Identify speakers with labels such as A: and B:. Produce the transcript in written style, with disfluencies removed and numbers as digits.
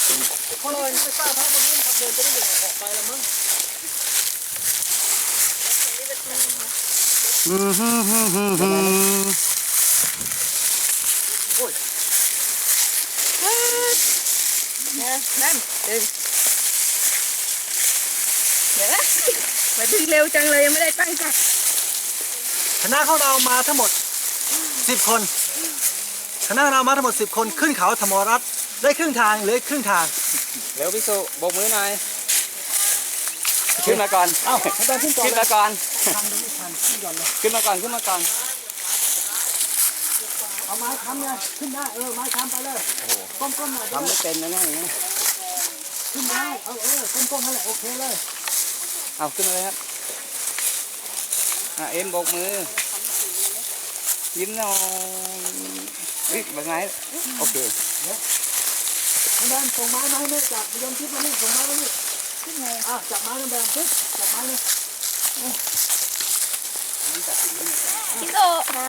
A: เพราะเราไม่ทราบพระบนนี้ขับเดินจะได้ยังไงออกไปแล้วมั้งโอ้ย
B: นั่นดึงเดี๋ยวนะมาดึงเร็วจังเลยยังไม่ได้ตั้งใจ
A: คณะของเรามาทั้งหมด10 คนคณะเรามาทั้งหมด10 คนขึ้นเขาธรรมรัตน์ได้ครึ่งทางเหลือครึ่งทาง
C: เร็วพี่สุโบกมือหน่อยขึ้นมาก่อน
A: เอ้าเดินขึ้นก่อน
C: ขึ้นมาก่อน
A: ทำดูไม่ทันขึ้นก่อนเลย
C: ขึ้นมาก่อนขึ้นมาก่อน
A: เอาไม้ค้ำไงขึ้นได้ไม้ค้ำไปเลยก้มๆหน่อย
C: ทำไม่เป็นนะเนี่ยอย่างนี้
A: ขึ้นได้ก้มๆนั่นแหละโอเคเลย
C: เอาขึ้นมาเลยครับเอ็มโบกมือยิ้มหน่อยแบบไงโอเค
A: น้ำแบนส่งไม้มาให้แม่จับยนทิพย์มานี่ส่งไม้มานี่ขึ้นไงจับไม้น้ำแบนปึ๊บจับไม้เลย
B: พี่โต